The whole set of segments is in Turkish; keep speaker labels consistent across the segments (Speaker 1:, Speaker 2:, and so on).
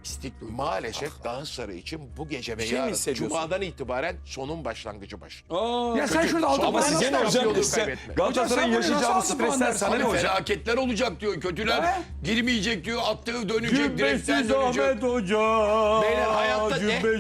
Speaker 1: Maalesef Galatasaray için bu gece ve
Speaker 2: şey mi
Speaker 1: yarın
Speaker 2: hissediyorsun?
Speaker 1: Cuma'dan itibaren sonun başlangıcı baş.
Speaker 3: Ya sen şurada altı
Speaker 2: Ama
Speaker 3: puan
Speaker 2: size ne
Speaker 3: al.
Speaker 2: hocam?
Speaker 1: Şampiyonluğu
Speaker 2: Size
Speaker 1: kaybetme.
Speaker 2: Galatasaray'ın
Speaker 3: Hocam sen bunu
Speaker 2: yaşayacağı
Speaker 3: nasıl
Speaker 2: stresler
Speaker 3: puan
Speaker 2: sana ne
Speaker 3: dersin?
Speaker 2: hocam?
Speaker 4: Felaketler olacak diyor. Kötüler girmeyecek diyor. Attığı dönecek. Direkten
Speaker 5: Cübbesiz
Speaker 4: dönecek.
Speaker 5: Ahmet Hoca.
Speaker 1: Beyler hayatta ne?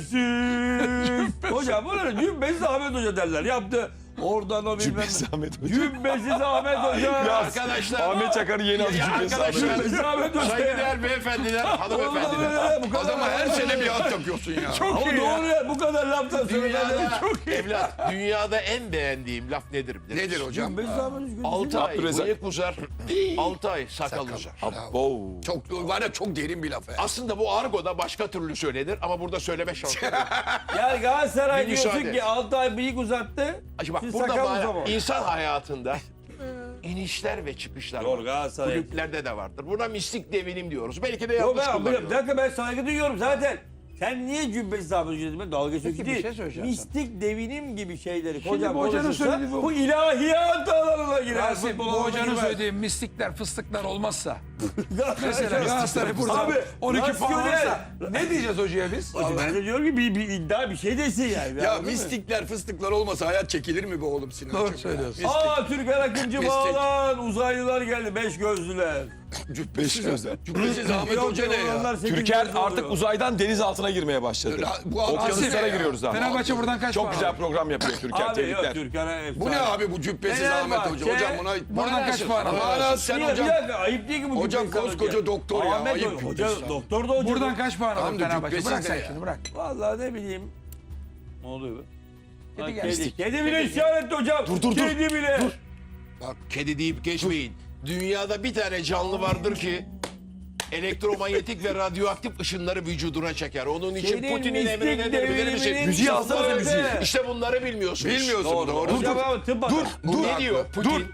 Speaker 5: Cübbesiz. Hocam bunlar Cübbesiz Ahmet Hoca derler. Yaptı. Oradan o bilmem.
Speaker 2: Cübbesiz Ahmet Hoca.
Speaker 5: Cübbesiz Ahmet Hoca.
Speaker 1: Arkadaşlar.
Speaker 2: Ahmet Çakar'ın yeni adı
Speaker 1: Ya
Speaker 2: Cübbesiz Ahmet Hoca.
Speaker 5: Cübbesiz Ahmet Hoca.
Speaker 1: Saygıdeğer beyefendiler, hanımefendiler.
Speaker 5: Bu kadar.
Speaker 4: Adama her sene bir at takıyorsun ya.
Speaker 5: Ama doğru ya. Bu kadar laftan sonra
Speaker 1: Dünyada,
Speaker 5: çok iyi.
Speaker 1: evlat, dünyada en beğendiğim laf nedir?
Speaker 4: Nedir hocam?
Speaker 5: Cübbesiz Ahmet Hoca.
Speaker 1: 6 ay
Speaker 2: Abdurrezzak.
Speaker 1: bıyık uzar, 6 ay sakal uzar.
Speaker 2: Abo.
Speaker 4: Çok var ya, çok derin bir laf.
Speaker 1: Aslında bu argoda başka türlü söylenir ama burada söyleme şansı yok.
Speaker 5: Yani Galatasaray
Speaker 1: Bir
Speaker 5: diyorsun
Speaker 1: müsaade.
Speaker 5: ki 6 ay bıyık uzattı.
Speaker 1: Şimdi bak
Speaker 5: Siz
Speaker 1: burada
Speaker 5: sakal
Speaker 1: bana
Speaker 5: uzama.
Speaker 1: insan hayatında inişler ve çıkışlar
Speaker 5: Doğru,
Speaker 1: var.
Speaker 5: Galatasaray.
Speaker 1: Kulüplerde de vardır. Buna mistik devinim diyoruz. Belki de
Speaker 5: Yok
Speaker 1: yanlış
Speaker 5: ben, bir
Speaker 1: kullanıyoruz.
Speaker 5: dakika ben saygı duyuyorum zaten. Sen niye Cübbesiz Ahmet Hoca dedin? Dalga geçiyorsun
Speaker 3: Peki, bir
Speaker 5: değil.
Speaker 3: şey söyleyeceğim
Speaker 5: Mistik devinim gibi şeyleri
Speaker 3: Şimdi
Speaker 5: hocam
Speaker 3: bu hocanın
Speaker 5: konuşursa
Speaker 3: söylediği bu-
Speaker 5: bu ilahiyat alanına girer.
Speaker 3: Rasim,
Speaker 5: futbol
Speaker 3: bu
Speaker 5: alanına
Speaker 3: hocanın
Speaker 5: girmez.
Speaker 3: söylediği mistikler, fıstıklar olmazsa.
Speaker 5: Galatasaray-
Speaker 3: Mesela Galatasaray burada
Speaker 5: Abi,
Speaker 3: 12 puan
Speaker 5: rasyonel.
Speaker 3: alırsa ne diyeceğiz hocaya biz?
Speaker 5: Hocam ben de diyorum ki bir iddia bir şey desin yani.
Speaker 4: Ya
Speaker 5: Anladın mı?
Speaker 4: mistikler fıstıklar olmasa hayat çekilir mi be oğlum Sinan?
Speaker 3: Doğru söylüyorsun.
Speaker 5: Aa Türker Akıncı
Speaker 4: Mistik.
Speaker 5: bağlan uzaylılar geldi 5 gözlüler.
Speaker 4: Cübbesiz Ahmet Hoca ne ya?
Speaker 5: Onlar sekiz
Speaker 2: Türker
Speaker 5: gözlü
Speaker 2: artık
Speaker 5: oluyor.
Speaker 2: uzaydan deniz altına girmeye başladı.
Speaker 4: Bu adam
Speaker 2: Okyanuslara
Speaker 4: ne ya?
Speaker 2: giriyoruz abi.
Speaker 3: Fenerbahçe buradan kaç
Speaker 2: Çok
Speaker 3: puan
Speaker 2: güzel
Speaker 3: alır?
Speaker 2: program yapıyor Türker.
Speaker 5: Abi yok
Speaker 2: Tebrikler.
Speaker 5: Türker'e
Speaker 4: Bu ne abi bu Cübbesiz Ahmet Hoca? Hocam buna...
Speaker 3: Buradan kaç puan alır?
Speaker 4: Bana sen
Speaker 5: Bir
Speaker 4: hocam...
Speaker 5: dakika ayıp değil ki bu
Speaker 4: Hocam
Speaker 5: Cübbesiz
Speaker 4: koskoca
Speaker 5: Hoca.
Speaker 4: doktor ya,
Speaker 5: Ahmet
Speaker 4: ayıp
Speaker 5: Hoca,
Speaker 4: Cübbesiz abi.
Speaker 5: doktor da hoca.
Speaker 3: Buradan kaç puan
Speaker 4: Tamam
Speaker 3: alır
Speaker 4: da
Speaker 3: Fenerbahçe?
Speaker 4: Cübbesiz
Speaker 3: Bırak
Speaker 4: de
Speaker 3: sen
Speaker 4: ya.
Speaker 3: şimdi bırak.
Speaker 5: Vallahi ne bileyim. Ne oluyor be?
Speaker 3: Kedi
Speaker 5: Ha,
Speaker 3: geldi.
Speaker 5: Kedi bile isyan etti hocam.
Speaker 2: dur.
Speaker 5: Kedi bile.
Speaker 1: Kedi deyip geçmeyin. Dünyada bir tane canlı vardır ki elektromanyetik ve radyoaktif ışınları vücuduna çeker. Onun için
Speaker 5: Senin
Speaker 1: Putin'in
Speaker 5: mistik
Speaker 1: emri nedir bilir misin?
Speaker 5: devriminin
Speaker 2: Müziği alsana
Speaker 5: sözü.
Speaker 2: müziği.
Speaker 1: İşte bunları bilmiyorsunuz.
Speaker 4: Bilmiyorsun doğru.
Speaker 5: Hocam abi tıp adam.
Speaker 1: Bu ne diyor Putin?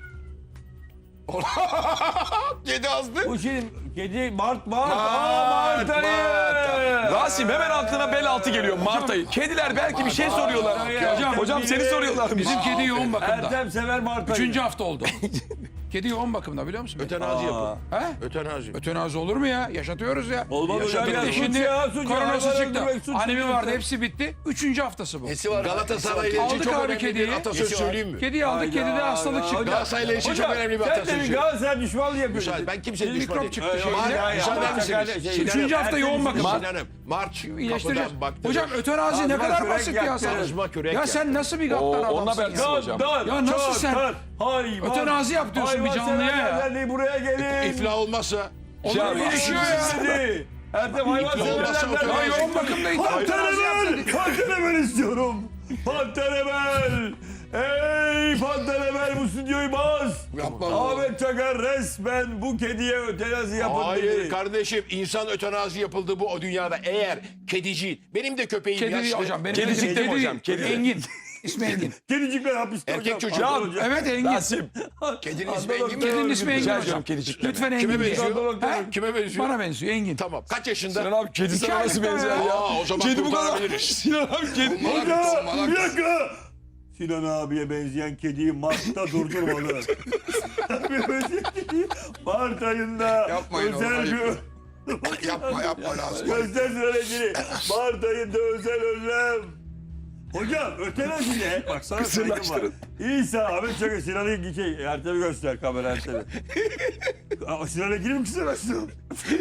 Speaker 4: Kedi azdı.
Speaker 5: Bu şimdi kedi Mart.
Speaker 4: Mart,
Speaker 5: Mart ayı.
Speaker 2: Rasim hemen aklına bel altı geliyor Mart ayı. Kediler belki bir şey soruyorlar. Hocam seni soruyorlar.
Speaker 3: Bizim kedi yoğun bakımda.
Speaker 5: Ertem sever Mart ayı.
Speaker 3: 3. hafta oldu. Kedi yoğun bakımda biliyor musun?
Speaker 1: Ötenazi yapın.
Speaker 3: He?
Speaker 1: Ötenazi.
Speaker 3: Ötenazi olur mu ya? Yaşatıyoruz ya.
Speaker 5: Olmaz hocam ya.
Speaker 3: Bitti
Speaker 5: Suç
Speaker 3: şimdi
Speaker 5: ya, suç ya.
Speaker 3: koronası
Speaker 5: Hayvan
Speaker 3: çıktı.
Speaker 5: öldürmek suç
Speaker 3: Anemi
Speaker 5: ya.
Speaker 3: vardı hepsi bitti. 3. haftası bu.
Speaker 4: Nesi var?
Speaker 1: Galatasaray ile
Speaker 3: Aldık
Speaker 1: ilgili çok
Speaker 3: abi
Speaker 1: önemli
Speaker 3: kediyi.
Speaker 1: bir atasöz söyleyeyim mi?
Speaker 3: Kediyi aldık, kedide hastalık çıktı.
Speaker 1: Galatasaray için çok
Speaker 5: Hocam
Speaker 1: önemli bir
Speaker 5: sen de
Speaker 1: atasözü.
Speaker 5: bir Galatasaray düşmanlığı yapıyorsun.
Speaker 1: Müsaade, ben kimsenin
Speaker 3: Bir
Speaker 1: düşmanı
Speaker 3: mikrop
Speaker 1: değilim.
Speaker 3: çıktı
Speaker 5: Hayır,
Speaker 3: şeyde.
Speaker 5: hayır,
Speaker 1: Müsaade
Speaker 5: hayır.
Speaker 1: misiniz?
Speaker 5: Şey,
Speaker 1: Sinan-
Speaker 3: Üçüncü hafta yoğun bakım.
Speaker 1: Sinan'ım, Març
Speaker 3: İyileştireceğiz.
Speaker 1: kapıdan baktı.
Speaker 3: Hocam ötenazi ne
Speaker 5: Ağzıma
Speaker 3: kadar
Speaker 5: kürek
Speaker 3: basit ya
Speaker 5: yaktı.
Speaker 3: sana.
Speaker 1: Ağzıma kürek
Speaker 3: Ya sen
Speaker 1: yaktı.
Speaker 3: nasıl bir gaddar
Speaker 2: onunla
Speaker 3: adamsın
Speaker 2: belki
Speaker 3: ya.
Speaker 2: hocam.
Speaker 3: Ya nasıl sen?
Speaker 5: Hayvan.
Speaker 3: Ötenazi yap diyorsun bir canlıya ya.
Speaker 5: Hayvanseverler buraya gelin.
Speaker 1: İflah olmazsa
Speaker 3: Onlar iyileşiyor ya.
Speaker 5: Dedi. Ertem hayvanseverler
Speaker 3: Ya yoğun bakımdaydı.
Speaker 5: Pantenemel istiyorum. Pantenemel. Ey Pantenemel bu stüdyoyu baz.
Speaker 4: Yapma.
Speaker 5: Ahmet Çakar resmen bu kediye ötenazi yapın
Speaker 1: hayır
Speaker 5: dedi.
Speaker 1: kardeşim insan ötenazi yapıldı bu o dünyada. Eğer kedici benim de köpeğim
Speaker 3: Kedi değil
Speaker 1: yaşlı.
Speaker 3: hocam. Benim
Speaker 2: Kedicik
Speaker 3: kedi
Speaker 2: değil
Speaker 3: değil.
Speaker 2: hocam, kedi.
Speaker 3: Engin. İsmi Engin.
Speaker 5: Kedicikler hapiste
Speaker 1: Erkek
Speaker 5: hocam.
Speaker 1: çocuk.
Speaker 5: Adnan hocam.
Speaker 3: Evet Engin.
Speaker 2: Rasim.
Speaker 4: Kedinin ismi Engin mi?
Speaker 3: Kedinin ismi Engin
Speaker 2: Rica
Speaker 3: hocam.
Speaker 2: ediyorum kedicikler.
Speaker 3: Lütfen
Speaker 1: Kime
Speaker 3: Engin diye.
Speaker 1: benziyor?
Speaker 3: He?
Speaker 1: Kime benziyor?
Speaker 3: Bana benziyor Engin.
Speaker 1: Tamam. Kaç yaşında?
Speaker 2: Sinan abi kedi sana nasıl
Speaker 3: aylık
Speaker 2: benzer
Speaker 3: daha
Speaker 2: ya?
Speaker 1: Aa, o zaman
Speaker 2: Kedi bu kadar.
Speaker 1: kurtarabiliriz.
Speaker 2: Sinan abi kedi.
Speaker 5: Hocam bir dakika. Sinan abiye benzeyen kediyi Mart'ta durdurmalı. Abiye benzeyen kediyi Mart ayında
Speaker 4: Yapmayın
Speaker 5: özel
Speaker 4: oğlum,
Speaker 5: bir...
Speaker 4: Yapma lazım.
Speaker 5: Göster sürecini. Mart ayında özel önlem. Hocam ötenazi ne? Bak sana saygım var.
Speaker 2: Kısırlaştırın.
Speaker 5: İsa Ahmet Çakır Sinan'ı Ertem'i göster kamera Ertem'i. Sinan'a gireyim mi kısırlaştırın?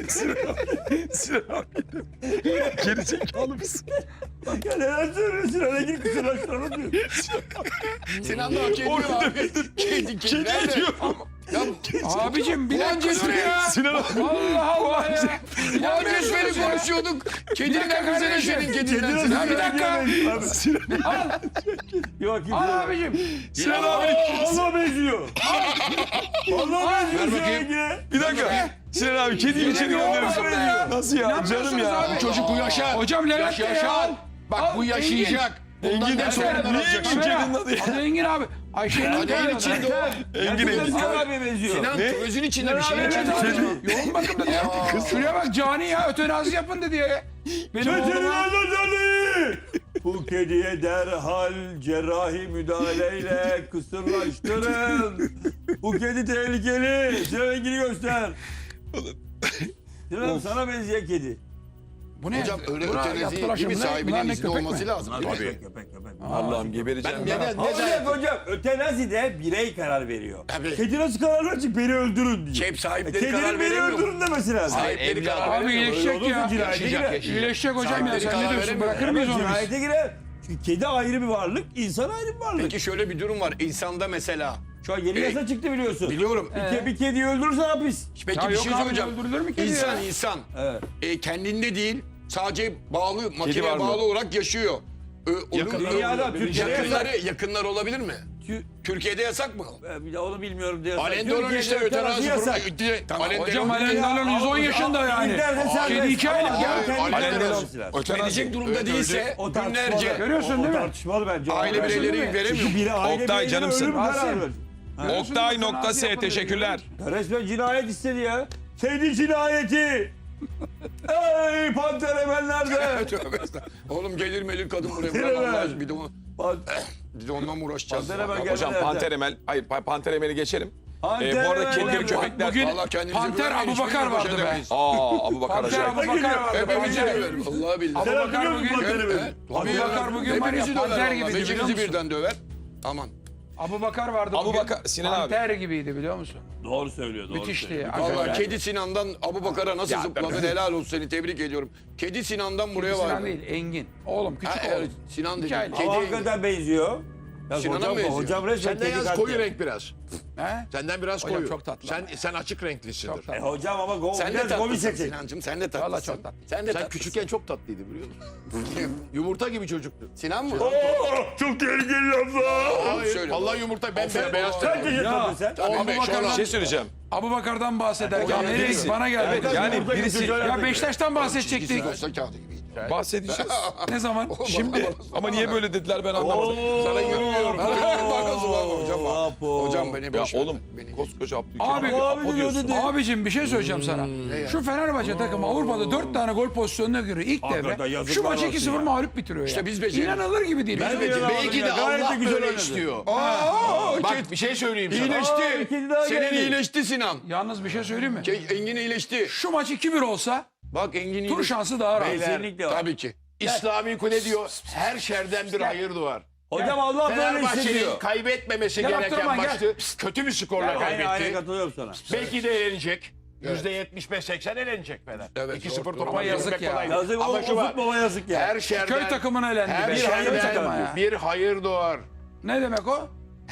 Speaker 2: Sinan abi. Geri zekalı mısın?
Speaker 5: Ya neler söylüyorsun Sinan'a girip kısırlaştırın diyor.
Speaker 4: Sinan da hak ediyor abi. Kedi nerede?
Speaker 2: diyor.
Speaker 4: Ya
Speaker 3: Abicim bilencesi ya.
Speaker 2: Sinan abi.
Speaker 3: Allah Allah ya. Bilencesi
Speaker 4: beni konuşuyorduk. Kediler bize ne senin kedinden?
Speaker 5: Kedi
Speaker 3: Ya bir dakika.
Speaker 5: Yok kim?
Speaker 3: Al abicim.
Speaker 2: Sinan abi.
Speaker 5: Allah benziyor. Allah benziyor
Speaker 1: Ver bakayım.
Speaker 5: Sinan'a.
Speaker 2: Bir dakika. Sinan abi kediyi içeri gönderiyorsun. Nasıl ya? Canım
Speaker 3: İnanmıyorsunuz
Speaker 2: ya.
Speaker 3: abi.
Speaker 1: Çocuk bu yaşar.
Speaker 3: Hocam Levent de ya.
Speaker 1: Yaşar. Bak bu yaşayacak. Bundan
Speaker 2: Engin
Speaker 1: ne
Speaker 2: de
Speaker 1: sorunlar
Speaker 2: niye
Speaker 1: olacak?
Speaker 2: Engin kedinin adı ya?
Speaker 3: Adı Engin abi. Ayşe'nin
Speaker 1: Hadi
Speaker 3: adı
Speaker 1: içinde o.
Speaker 2: Engin.
Speaker 5: Sinan abiye benziyor.
Speaker 4: Sinan özün içinde bir şey
Speaker 3: Evet
Speaker 4: içinde.
Speaker 3: abi. Yoğun bakımda diyor. Şuraya bak cani ya. Ötenazi yapın dedi ya. Benim
Speaker 5: Çetin
Speaker 3: oğluma.
Speaker 5: Anadolu! Bu kediye derhal cerrahi müdahaleyle kısırlaştırın. Bu kedi tehlikeli. Sinan Engin'i göster. Sinan sana benzeyen kedi.
Speaker 3: Bu ne?
Speaker 4: Hocam öyle
Speaker 3: Buna
Speaker 4: ötenazi
Speaker 3: yaptılar
Speaker 4: değil mi?
Speaker 3: şimdi. Bunlar
Speaker 4: Sahibinin
Speaker 3: ne,
Speaker 4: izni
Speaker 3: köpek mi?
Speaker 4: olması lazım.
Speaker 5: Köpek.
Speaker 2: Allah'ım gebereceğim.
Speaker 1: Neden?
Speaker 5: Hocam ötenazi de birey karar veriyor.
Speaker 4: Tabii.
Speaker 5: Kedi nasıl karar verecek? Beni öldürün diye.
Speaker 4: Hep sahipleri karar
Speaker 5: Kedinin beni
Speaker 4: veremiyor mu?
Speaker 5: öldürün demesi lazım.
Speaker 4: Sahipleri karar
Speaker 3: Abi
Speaker 4: veremiyor.
Speaker 3: iyileşecek ya.
Speaker 5: Cinayete girer.
Speaker 3: İyileşecek hocam ya.
Speaker 4: Sahipleri
Speaker 3: Sen
Speaker 4: karar
Speaker 3: ne diyorsun?
Speaker 4: veremiyor.
Speaker 3: Bırakır mıyız onu biz?
Speaker 5: Cinayete girer. Çünkü kedi ayrı bir varlık, insan ayrı bir varlık.
Speaker 4: Peki şöyle bir durum var. İnsanda mesela.
Speaker 5: Şu an yeni yasa çıktı biliyorsun.
Speaker 4: Biliyorum.
Speaker 5: Bir kediyi öldürürse hapis.
Speaker 4: Peki
Speaker 3: Ya
Speaker 4: bir
Speaker 3: yok
Speaker 4: şey
Speaker 3: abi,
Speaker 4: söyleyeceğim.
Speaker 3: öldürülür mü kedi ya?
Speaker 4: İnsan.
Speaker 5: Evet.
Speaker 4: Kendinde değil. Sadece bağlı,
Speaker 2: var
Speaker 4: makineye
Speaker 2: mı?
Speaker 4: bağlı olarak yaşıyor.
Speaker 1: Yakınları
Speaker 5: Dünyada Türkiye'de
Speaker 4: yakınları olabilir mi? Türkiye'de yasak mı?
Speaker 5: Bir de onu bilmiyorum diyorsun.
Speaker 1: Alain Delon işte ötenazi
Speaker 5: yasak.
Speaker 1: Tamam.
Speaker 3: Hocam Alain Delon 110 yaşında yani. Kedi 2 aylık ya.
Speaker 1: Alain Delon.
Speaker 4: Verecek durumda değilse
Speaker 5: O
Speaker 4: günlerce
Speaker 5: tartışmalı.
Speaker 3: Görüyorsun değil mi?
Speaker 5: Tartışmalı bence.
Speaker 4: aile bireyleri
Speaker 3: değil mi?
Speaker 4: veremiyor.
Speaker 5: Çünkü biri aile
Speaker 2: Oktay,
Speaker 5: bireyleri
Speaker 2: canımsın.
Speaker 5: ölüm karar
Speaker 3: Rasim.
Speaker 5: verir.
Speaker 2: Oktay.s teşekkürler.
Speaker 5: Resmen cinayet istedi ya. Kedi cinayeti. Ey panter emenlerde.
Speaker 4: Tövbe estağfurullah. Oğlum gelir melir kadın buraya.
Speaker 5: Gelir
Speaker 4: Bırak Allah
Speaker 5: mi?
Speaker 4: aşkına, bir de onunla mı uğraşacağız?
Speaker 5: Panter Emel
Speaker 4: Ya,
Speaker 2: Hocam Panter Emel, hayır Panter Emel'i geçelim.
Speaker 5: Panter
Speaker 2: Bu arada
Speaker 5: Emel
Speaker 2: kedileri
Speaker 5: yapma.
Speaker 2: köpekler.
Speaker 3: Bugün
Speaker 4: Vallahi kendinize
Speaker 3: Panter
Speaker 4: güvenmeyin,
Speaker 3: Abubakar
Speaker 4: hiçbirimiz
Speaker 3: vardı be.
Speaker 4: başaramayız.
Speaker 2: Abu Bakar
Speaker 3: Panter
Speaker 2: acayip.
Speaker 3: Abubakar vardı.
Speaker 4: Hepimizi
Speaker 3: Panter.
Speaker 4: döver. Vallahi billahi.
Speaker 5: Sen
Speaker 3: Abubakar
Speaker 5: hatırlıyor musun
Speaker 3: bugün-
Speaker 5: Panter Emel'i?
Speaker 3: Abubakar bugün var ya
Speaker 4: Hepimizi döver
Speaker 3: panter
Speaker 4: vallahi.
Speaker 3: gibiydi biliyor
Speaker 4: Beşimizi
Speaker 3: musun?
Speaker 4: birden döver. Aman.
Speaker 3: Abubakar vardı bugün.
Speaker 2: Abubakar, Sinan abi.
Speaker 3: Panter gibiydi biliyor musun?
Speaker 5: Doğru söylüyor.
Speaker 3: Müthişti ya.
Speaker 4: Vallahi
Speaker 3: Hakikaten.
Speaker 4: Kedi Sinan'dan Abubakar'a nasıl
Speaker 2: Ya,
Speaker 4: zıpladın helal olsun seni tebrik ediyorum. Kedi Sinan'dan buraya
Speaker 3: Sinan
Speaker 4: vardı.
Speaker 3: değil Engin. Oğlum
Speaker 4: Ha,
Speaker 3: küçük
Speaker 4: evet,
Speaker 3: oğlum.
Speaker 4: Sinan dedi.
Speaker 3: Hikaye.
Speaker 5: Ama hakikaten benziyor. Ya
Speaker 4: Sinan'a
Speaker 5: hocam,
Speaker 4: mı benziyor?
Speaker 5: hocam resmen
Speaker 1: Senden
Speaker 5: kedi
Speaker 1: yalnız
Speaker 5: kattı.
Speaker 1: koyu renk biraz.
Speaker 3: He?
Speaker 1: Senden biraz
Speaker 3: Hocam
Speaker 1: koyu.
Speaker 3: çok tatlı
Speaker 1: Sen açık renklisindir.
Speaker 3: Çok tatlı.
Speaker 5: Hocam ama
Speaker 4: Sen de
Speaker 5: biraz gomi
Speaker 4: tatlısın
Speaker 5: seçecek.
Speaker 4: Sinancığım sen de tatlısın.
Speaker 3: Vallahi çok tatlı.
Speaker 4: Sen de
Speaker 1: Sen
Speaker 4: tatlısın.
Speaker 1: küçükken çok tatlıydı biliyor musun? Yumurta gibi çocuktu.
Speaker 4: Sinan mı?
Speaker 5: Çok tehlikeli laflar.
Speaker 1: Hayır.
Speaker 4: söyle
Speaker 1: Vallahi
Speaker 4: baba.
Speaker 1: yumurta beyaz
Speaker 5: Kaç
Speaker 1: tenli.
Speaker 5: yaşındasın sen?
Speaker 2: Bir şey söyleyeceğim.
Speaker 3: Abubakar'dan bahsederken
Speaker 2: Hocam,
Speaker 3: nereye
Speaker 2: birisi-
Speaker 3: bana geldi.
Speaker 2: Yani birisi
Speaker 3: Ya Beşiktaş'tan bahsedecektik.
Speaker 4: Posta kağıdı gibiydi.
Speaker 2: bahsedeceğiz.
Speaker 3: Ne zaman?
Speaker 2: Şimdi ama niye böyle dediler ben anlamadım.
Speaker 4: Sana yürüyorum. Bakasın var hocam. Hocam beni
Speaker 2: Ya
Speaker 4: boş ver.
Speaker 2: oğlum
Speaker 4: Beni-
Speaker 2: koskoca Abdülkerim
Speaker 3: Abi,
Speaker 2: Apo diyorsun.
Speaker 3: Abicim bir şey söyleyeceğim sana. Şu Fenerbahçe takımı Avrupa'da 4 tane gol pozisyonuna giriyor ilk
Speaker 5: Hakikaten
Speaker 3: devre.
Speaker 5: yazıklar
Speaker 3: Şu maçı
Speaker 5: olsun
Speaker 3: 2-0
Speaker 5: ya.
Speaker 3: mağlup bitiriyor ya.
Speaker 4: İşte biz beceriyoruz.
Speaker 3: İnanılır gibi değil.
Speaker 5: Ben
Speaker 3: Biz
Speaker 5: de
Speaker 3: beceriyoruz.
Speaker 1: Belki de
Speaker 5: Gayet de
Speaker 1: Allah
Speaker 5: güzel
Speaker 1: böyle
Speaker 5: oynadı.
Speaker 1: istiyor.
Speaker 4: Aa,
Speaker 1: Bak bir şey söyleyeyim sana.
Speaker 4: iyileşti.
Speaker 5: kedi daha
Speaker 4: Senin
Speaker 5: geldi.
Speaker 4: iyileşti Sinan.
Speaker 3: Yalnız bir şey söyleyeyim mi?
Speaker 4: Engin iyileşti.
Speaker 3: Şu maç 2-1 olsa
Speaker 4: Bak Engin
Speaker 3: tur
Speaker 4: iyileşti.
Speaker 3: şansı daha rahat.
Speaker 5: Kesinlikle var.
Speaker 4: Tabii ki.
Speaker 1: İslami kule diyor her şerden bir hayır doğar.
Speaker 5: Hocam Allah böyle
Speaker 1: Fenerbahçe'nin
Speaker 5: hissediyor.
Speaker 1: kaybetmemesi
Speaker 3: Gel
Speaker 1: gereken
Speaker 3: Abdurrahman,
Speaker 1: maçtı. Kötü bir skorla
Speaker 5: Aynı
Speaker 1: kaybetti.
Speaker 5: katılıyorum sana.
Speaker 1: Belki de elenecek. %75-80 elenecek Fener.
Speaker 4: Evet,
Speaker 1: 2-0
Speaker 4: doğru.
Speaker 1: topa
Speaker 3: Ama yazık
Speaker 1: girmek
Speaker 3: ya.
Speaker 1: kolaydı.
Speaker 5: Yazık
Speaker 1: Ama
Speaker 5: o
Speaker 1: şu var.
Speaker 5: futbola yazık ya.
Speaker 1: Her şerden,
Speaker 3: Köy takımına elendi
Speaker 1: her
Speaker 3: be.
Speaker 1: şerden
Speaker 3: Köy takımı ya.
Speaker 1: bir hayır doğar.
Speaker 3: Ne demek o?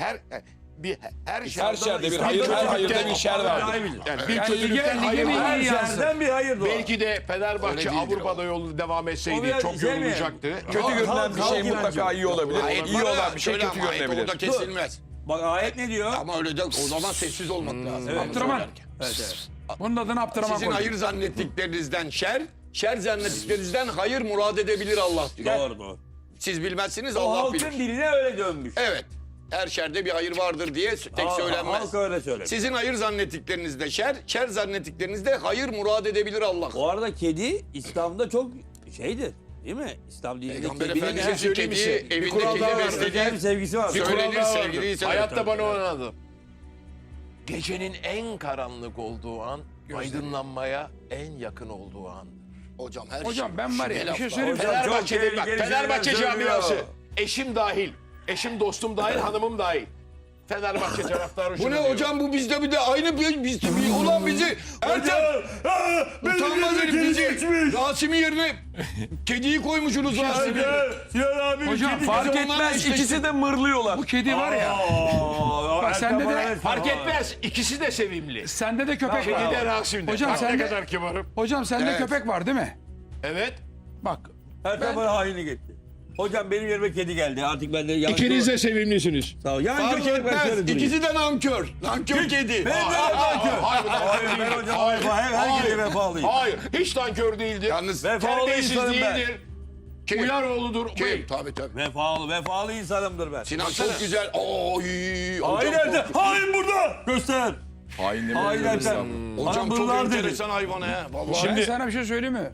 Speaker 1: Her
Speaker 2: şerde bir hayır, her hayırda bir şer var.
Speaker 1: Yani bir
Speaker 3: Yani
Speaker 1: kötülükten
Speaker 3: lige
Speaker 1: hayır
Speaker 3: mi
Speaker 1: var.
Speaker 5: Her
Speaker 3: iyi yansın?
Speaker 5: yerden bir hayır doğar.
Speaker 1: Belki de
Speaker 4: Öyle
Speaker 1: Fenerbahçe
Speaker 4: değildir
Speaker 1: Avrupa'da yolu devam
Speaker 5: O
Speaker 1: etseydi
Speaker 5: biraz
Speaker 1: çok
Speaker 5: şey mi?
Speaker 1: yorulacaktı.
Speaker 2: Kötü görünen bir şey
Speaker 5: Halk
Speaker 2: mutlaka
Speaker 5: inancı.
Speaker 2: iyi olabilir.
Speaker 4: Ayet
Speaker 2: İyi
Speaker 4: var ya,
Speaker 2: olan bir şey
Speaker 4: şöyle
Speaker 2: kötü
Speaker 4: ama ayet
Speaker 2: görünebilir.
Speaker 4: orada kesilmez.
Speaker 5: Bak ayet ne diyor?
Speaker 4: Ama öyle de o zaman sessiz olmak lazım. Onu
Speaker 3: Abdurrahman.
Speaker 4: söylerken.
Speaker 5: Evet.
Speaker 3: Bunun adını Abdurrahman
Speaker 4: Sizin
Speaker 3: koydu.
Speaker 4: hayır zannettiklerinizden şer zannettiklerinizden hayır murad edebilir Allah diyor.
Speaker 5: Doğru.
Speaker 4: Siz bilmezsiniz
Speaker 5: O
Speaker 4: Allah
Speaker 5: halkın
Speaker 4: bilir.
Speaker 5: diline öyle dönmüş.
Speaker 4: Evet. Her şerde bir hayır vardır diye tek söylenmez.
Speaker 5: Halk öyle söylemiş.
Speaker 4: Sizin hayır zannettiklerinizde şer zannettiklerinizde hayır murad edebilir Allah.
Speaker 5: Bu arada kedi İslam'da çok şeydir. Değil mi? İslam dininde
Speaker 4: Peygamber
Speaker 5: kedinin
Speaker 4: Efendimiz'in
Speaker 5: her
Speaker 1: söyleyeyim
Speaker 4: kediyi
Speaker 1: misin? Bir
Speaker 4: evinde
Speaker 1: kural
Speaker 4: kedi
Speaker 1: daha vardır.
Speaker 5: özel bir
Speaker 4: beslediği
Speaker 5: sevgisi var.
Speaker 1: Bir kural
Speaker 4: söylenir
Speaker 1: daha vardır.
Speaker 4: sevgili
Speaker 1: Hayatta bana oynadı. Gecenin en karanlık olduğu an aydınlanmaya en yakın olduğu an.
Speaker 4: Hocam her
Speaker 3: Hocam
Speaker 4: şey.
Speaker 3: ben var ya bir şey söyleyeyim mi?
Speaker 5: Hocam, çok
Speaker 1: Fenerbahçe'de bak
Speaker 5: tehlikeli
Speaker 1: Fenerbahçe
Speaker 5: şeyler
Speaker 1: camiası.
Speaker 5: söylüyor.
Speaker 1: Eşim dahil. Eşim dostum dahil, hanımım dahil. Fenerbahçe taraftarı
Speaker 4: Bu
Speaker 1: şunu
Speaker 4: ne
Speaker 1: diyor.
Speaker 4: hocam bu bizde bir de aynı biz ulan bizi Ertem utanmaz herif bizi Rasim'in yerine kediyi koymuşsunuz Rasim'i.
Speaker 5: Sinan abi
Speaker 3: Hocam fark etmez ikisi de mırlıyorlar. Bu kedi var ya. Bak sende de
Speaker 1: Fark etmez. İkisi de sevimli.
Speaker 3: sende de köpek
Speaker 1: Kedi
Speaker 3: var.
Speaker 1: de Rasim'de.
Speaker 3: Hocam
Speaker 1: Bak ne
Speaker 3: sende-
Speaker 1: kadar kibarım.
Speaker 3: Hocam sende
Speaker 4: Evet.
Speaker 3: köpek var değil mi?
Speaker 1: Evet.
Speaker 3: Bak
Speaker 5: Ertem bana haini gitti. Hocam benim yerime kedi geldi. Artık ben de yanlış.
Speaker 1: de sevimlisiniz.
Speaker 5: Sağ ol. Yancı
Speaker 4: Fark
Speaker 5: olarak ben
Speaker 4: etmez.
Speaker 5: şöyle durayım.
Speaker 4: İkisi de nankör. Nankör kedi.
Speaker 5: Ben de nankör. Hayır ben hocam her kedi vefalıyım.
Speaker 1: Hayır. Hiç nankör değildir.
Speaker 4: Yalnız
Speaker 5: Vefalı
Speaker 1: Terbiyesiz
Speaker 5: insanım ben.
Speaker 1: değildir.
Speaker 4: kim?
Speaker 1: Uyaroğlu'dur.
Speaker 4: Kim? Tabii.
Speaker 5: Vefalı insanımdır ben.
Speaker 4: Sinan çok güzel. Oy.
Speaker 5: Hain
Speaker 4: Hocam
Speaker 5: nerede?
Speaker 4: çok,
Speaker 5: Hain burada. Göster.
Speaker 2: Hain
Speaker 5: Hain Ertem.
Speaker 4: hocam çok
Speaker 5: bunlar dedi.
Speaker 4: enteresan hayvan ha. Vallahi.
Speaker 3: ben sana bir şey söyleyeyim mi?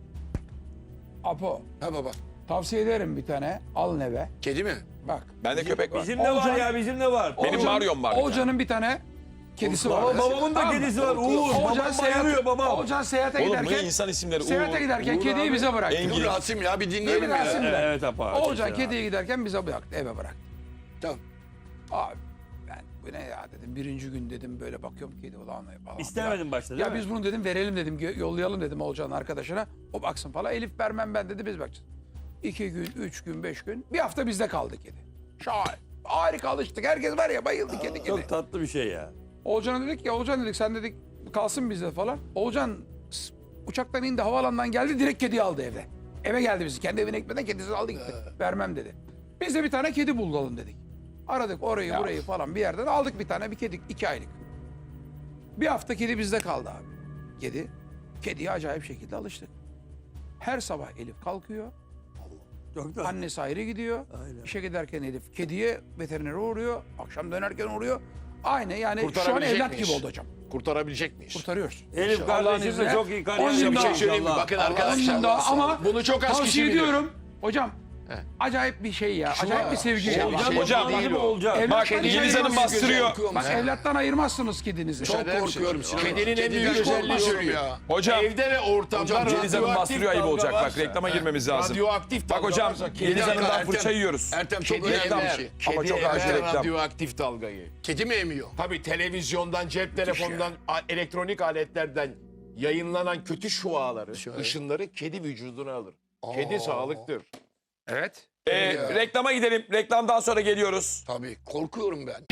Speaker 3: Apo
Speaker 4: Ha baba.
Speaker 3: tavsiye ederim bir tane. Al neve.
Speaker 4: Kedi mi?
Speaker 3: Bak.
Speaker 2: Bende köpek var.
Speaker 5: Bizim de var
Speaker 3: Olcan-
Speaker 5: ya bizim de var.
Speaker 2: Benim Mario'm var.
Speaker 3: Olcan'ın bir tane kedisi var.
Speaker 5: Baba, babamın da
Speaker 3: Tamam mı?
Speaker 5: kedisi var. Uğur.
Speaker 3: Oğulcan
Speaker 5: Babam
Speaker 3: seyahat,
Speaker 5: bayılıyor babam.
Speaker 3: Oğulcan seyahate
Speaker 2: Oğlum bu
Speaker 3: giderken,
Speaker 2: insan isimleri.
Speaker 3: seyahate giderken kediyi bize bıraktı.
Speaker 2: Engin.
Speaker 4: Dur Rasim ya bir
Speaker 3: Böyle
Speaker 4: dinleyelim ya.
Speaker 3: Rasim de.
Speaker 5: Evet apa.
Speaker 3: Oğulcan kediye giderken bize bıraktı, eve bıraktı.
Speaker 4: Tamam.
Speaker 3: Abi ben bu ne ya dedim. Birinci gün dedim böyle bakıyorum kedi ulan falan.
Speaker 5: İstemedin başta değil
Speaker 3: Ya
Speaker 5: mi?
Speaker 3: biz bunu dedim verelim dedim, yollayalım dedim Oğulcan'ın arkadaşına. O baksın falan. Elif vermem ben dedi, biz bakacağız. 2 gün, 3 gün, 5 gün. Bir hafta bizde kaldı kedi. Şahane. Harika alıştık. Herkes var ya bayıldı kedi.
Speaker 5: Çok tatlı bir şey ya.
Speaker 3: Oğulcan'a dedik ya, Oğulcan dedik sen dedik kalsın bizde falan. Oğulcan uçaktan indi, havaalanından geldi, direkt kediyi aldı evde. Eve geldi bizi. Kendi evine gitmeden kedisini aldı gitti. Vermem dedi. Biz de bir tane kedi bulalım dedik. Aradık orayı burayı falan bir yerden aldık bir tane, bir kedi 2 aylık. Bir hafta kedi bizde kaldı abi. Kediye acayip şekilde alıştık. Her sabah Elif kalkıyor.
Speaker 5: Çok tatlı.
Speaker 3: Annesi ayrı gidiyor.
Speaker 5: Aynen.
Speaker 3: İşe giderken Elif kediye, veterinere uğruyor. Akşam dönerken uğruyor. Aynı yani şu an
Speaker 1: Kurtarabilecek
Speaker 3: evlat
Speaker 1: miyiz?
Speaker 3: gibi oldu hocam.
Speaker 1: Kurtarabilecek miyiz?
Speaker 3: Kurtarıyoruz.
Speaker 5: Elif
Speaker 3: Allah'ın
Speaker 5: kardeşim de
Speaker 3: izniyle.
Speaker 5: çok iyi kariyer
Speaker 3: 10 gün
Speaker 1: Bir
Speaker 5: yapıyor.
Speaker 1: şey
Speaker 3: daha.
Speaker 1: söyleyeyim mi?
Speaker 5: İnşallah.
Speaker 1: Bakın
Speaker 3: 10
Speaker 1: arkadaşlar.
Speaker 3: gün daha ama
Speaker 1: Bunu çok az kişi
Speaker 3: tavsiye
Speaker 1: bilir.
Speaker 3: ediyorum. Hocam acayip bir şey ya. Acayip bir sevgi ya.
Speaker 2: Hocam,
Speaker 5: Değil mi Oğulcan?
Speaker 3: Evlat-
Speaker 2: Bak
Speaker 3: Kedi
Speaker 2: Yeliz Hanım bastırıyor.
Speaker 3: Bak evlattan ayırmazsınız kedinizi.
Speaker 4: Çok korkuyorum Sinan.
Speaker 1: Kedinin en büyük
Speaker 4: Kediden
Speaker 1: özelliği
Speaker 4: korkuyorum
Speaker 1: şu.
Speaker 4: ya.
Speaker 2: Hocam.
Speaker 1: Evde ve ortamda
Speaker 4: Hocam,
Speaker 2: Yeliz Hanım
Speaker 1: radyoaktif
Speaker 2: bastırıyor, ayıp
Speaker 1: dalga
Speaker 2: olacak. Bak
Speaker 1: varsa-
Speaker 2: reklama girmemiz lazım.
Speaker 1: Radyoaktif
Speaker 2: Bak
Speaker 1: dalga
Speaker 2: hocam
Speaker 1: varsa
Speaker 2: Yeliz
Speaker 1: kedi
Speaker 2: Hanım'dan
Speaker 1: emer-
Speaker 2: fırça yiyoruz.
Speaker 4: Ertem çok
Speaker 1: Kedi
Speaker 4: önemli bir
Speaker 1: emer.
Speaker 4: şey.
Speaker 2: Ama
Speaker 1: Kedi
Speaker 2: çok acil
Speaker 1: emer
Speaker 2: reklam.
Speaker 1: radyoaktif dalgayı.
Speaker 4: Kedi mi emiyor?
Speaker 1: Tabii televizyondan, cep telefonundan, elektronik aletlerden yayınlanan kötü şuaları, ışınları kedi vücuduna alır. Kedi sağlıktır.
Speaker 3: Evet.
Speaker 2: Reklama gidelim. Reklamdan sonra geliyoruz.
Speaker 4: Tabii korkuyorum ben.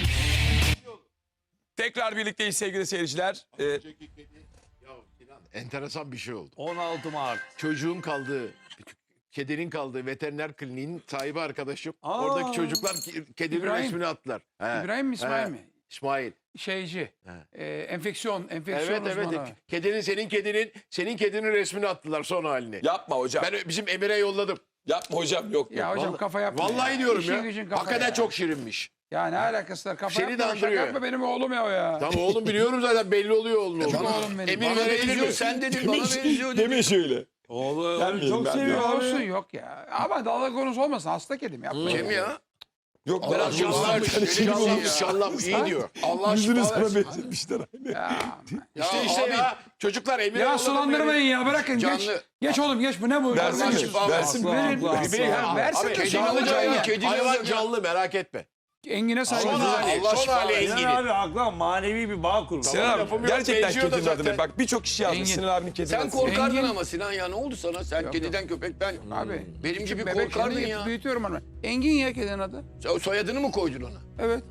Speaker 2: Tekrar birlikteyiz sevgili seyirciler.
Speaker 1: Enteresan bir şey oldu.
Speaker 5: 16 Mart.
Speaker 1: Çocuğun kaldığı, kedinin kaldığı veteriner kliniğin sahibi arkadaşım.
Speaker 5: Aa.
Speaker 1: Oradaki çocuklar kedinin
Speaker 3: İbrahim.
Speaker 1: resmini attılar. He.
Speaker 3: İbrahim mi, İsmail
Speaker 1: He.
Speaker 3: mi?
Speaker 1: İsmail.
Speaker 3: Şeyci. enfeksiyon
Speaker 1: Evet
Speaker 3: uzmanı.
Speaker 1: Kedinin senin kedinin resmini attılar son halini.
Speaker 2: Yapma hocam.
Speaker 1: Ben bizim Emir'e yolladım.
Speaker 2: Yapma hocam, yok.
Speaker 3: Ya hocam kafa yapma.
Speaker 1: Vallahi
Speaker 3: ya.
Speaker 1: diyorum
Speaker 3: İşin
Speaker 1: ya.
Speaker 3: gücün kafa
Speaker 1: Hakikaten
Speaker 3: ya.
Speaker 1: çok şirinmiş.
Speaker 3: Ya ne alakası var? Kafa
Speaker 1: Seni
Speaker 3: yapma.
Speaker 1: de
Speaker 3: Şaka
Speaker 1: andırıyor.
Speaker 3: yapma, benim oğlum ya o ya.
Speaker 1: Tamam oğlum biliyorum zaten belli oluyor oğlum.
Speaker 3: oğlum benim.
Speaker 1: Emir
Speaker 4: Bana
Speaker 1: verebilir
Speaker 4: benziyor
Speaker 1: mi?
Speaker 4: sen dedin bana benziyor dedin.
Speaker 2: Deme şöyle.
Speaker 5: Oğlum
Speaker 2: Gelmeyin,
Speaker 5: çok
Speaker 2: ben
Speaker 5: seviyor
Speaker 3: Ya
Speaker 5: abi.
Speaker 3: olsun yok ya. Ama dalga konusu olmasın. Hasta kedim yapma.
Speaker 4: Kim ya?
Speaker 2: Yok
Speaker 4: Allah
Speaker 2: merak
Speaker 4: aşkına,
Speaker 2: etme.
Speaker 4: Allah
Speaker 1: Şallam iyi diyor.
Speaker 4: Allah
Speaker 2: Yüzünü
Speaker 4: aşkına
Speaker 2: sana
Speaker 4: versin.
Speaker 2: benzetmişler.
Speaker 3: Ya,
Speaker 1: İşte
Speaker 4: abi,
Speaker 1: ya çocuklar Emir'e
Speaker 3: ya
Speaker 1: yolladım
Speaker 3: sulandırmayın ya, bırakın geç.
Speaker 4: Canlı.
Speaker 3: Geç oğlum geç, bu ne bu?
Speaker 2: Versin
Speaker 3: Allah
Speaker 2: mi?
Speaker 3: aşkına.
Speaker 2: Versin mi?
Speaker 3: Verin. Versin
Speaker 1: Abi
Speaker 3: de
Speaker 1: kedi
Speaker 3: şey
Speaker 1: alacak
Speaker 3: olacak
Speaker 1: ya.
Speaker 3: ya.
Speaker 4: kedi
Speaker 1: Hayvan
Speaker 4: alacak ya.
Speaker 1: canlı merak etme.
Speaker 3: Engine
Speaker 1: Son
Speaker 3: saygı.
Speaker 1: hali,
Speaker 4: Allah
Speaker 1: son
Speaker 4: şifa
Speaker 1: hali
Speaker 4: versin.
Speaker 5: Sinan
Speaker 1: Engin.
Speaker 5: abi haklı, manevi bir bağ kurmuş.
Speaker 2: Sinan abi
Speaker 1: lafım yok,
Speaker 2: gerçekten
Speaker 1: benziyor da
Speaker 2: kedinin adını.
Speaker 1: zaten.
Speaker 2: Bak birçok kişi yazmış
Speaker 3: Engin.
Speaker 2: Sinan abinin kedinin
Speaker 4: Sen
Speaker 2: adını.
Speaker 4: korkardın
Speaker 3: Engin.
Speaker 4: ama Sinan ya ne oldu sana? Sen kediden köpekten.
Speaker 3: Abi.
Speaker 4: Benim gibi
Speaker 3: Bebek
Speaker 4: korkardın
Speaker 3: şimdi
Speaker 4: ya.
Speaker 3: büyütüyorum onu. Engin ya kedinin adı.
Speaker 4: Sen soyadını mı koydun ona?
Speaker 3: Evet.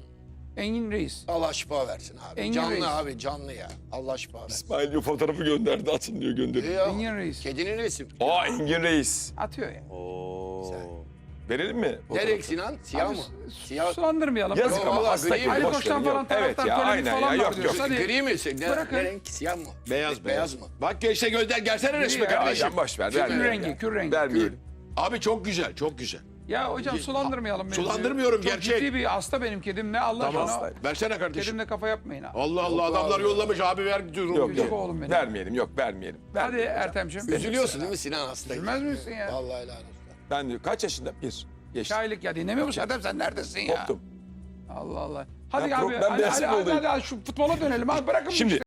Speaker 3: Engin Reis.
Speaker 4: Allah şifa versin abi.
Speaker 3: Engin
Speaker 4: canlı
Speaker 3: Reis.
Speaker 4: abi canlı ya. Allah şifa versin.
Speaker 2: İsmail diyor fotoğrafı gönderdi, atın diyor gönderiyor.
Speaker 4: Ya,
Speaker 3: Engin Reis.
Speaker 4: kedinin resim.
Speaker 2: Aa Engin Reis.
Speaker 3: Atıyor ya.
Speaker 2: Oo. Verelim mi?
Speaker 4: Nereye Sinan? Siyah
Speaker 3: Abi,
Speaker 4: mı? Siyah.
Speaker 3: Sulandırmayalım.
Speaker 2: Yazık
Speaker 4: Yok,
Speaker 2: ama
Speaker 4: vallahi
Speaker 2: hasta
Speaker 4: gri
Speaker 2: gibi.
Speaker 4: mi?
Speaker 3: Ali
Speaker 2: boş
Speaker 3: Koç'tan
Speaker 2: verin,
Speaker 3: falan
Speaker 2: yok. Evet
Speaker 3: taraftar
Speaker 2: ya
Speaker 3: polemik
Speaker 2: aynen
Speaker 3: falan
Speaker 2: ya
Speaker 3: var
Speaker 2: yok yok.
Speaker 3: diyorsun. Hadi.
Speaker 4: Gri mi? Ne,
Speaker 3: Bırakın.
Speaker 4: ne renk? Siyah mı?
Speaker 1: Beyaz
Speaker 4: mı?
Speaker 1: Bak işte gelsene resmi
Speaker 3: Ya,
Speaker 1: kardeşim.
Speaker 2: Ya boş ver
Speaker 3: Kür
Speaker 2: vermeyelim.
Speaker 3: rengi,
Speaker 2: ya.
Speaker 3: kür rengi.
Speaker 2: Vermeyelim.
Speaker 1: Abi çok güzel çok güzel.
Speaker 3: Ya hocam sulandırmayalım beni.
Speaker 1: Sulandırmıyorum,
Speaker 3: Çok
Speaker 1: gerçek.
Speaker 3: ciddi bir hasta benim kedim. Ne Allah
Speaker 1: Tamam.
Speaker 3: aşkına.
Speaker 1: Versene kardeşim.
Speaker 3: Kedimle kafa yapmayın ha.
Speaker 1: Allah Allah adamlar yollamış abi ver diyorum.
Speaker 2: Yok
Speaker 3: Güzel
Speaker 2: yok.
Speaker 3: oğlum benim.
Speaker 2: Vermeyelim yok vermeyelim.
Speaker 3: Hadi Ertem'ciğim.
Speaker 4: Üzülüyorsun değil mi Sinan hastayı?
Speaker 3: Üzülmez misin ya?
Speaker 4: Vallahi helal olsun.
Speaker 2: Ben diyor kaç yaşında? Bir. Geçti.
Speaker 3: Şairlik ya, dinlemiyor musun Ertem, sen neredesin ya?
Speaker 2: Koptum.
Speaker 3: Allah Allah. Hadi
Speaker 2: Ben
Speaker 3: abi
Speaker 2: ben beyaz
Speaker 3: hadi
Speaker 2: olayım.
Speaker 3: şu futbola dönelim abi, bırakın bu
Speaker 2: Şimdi
Speaker 3: işleri.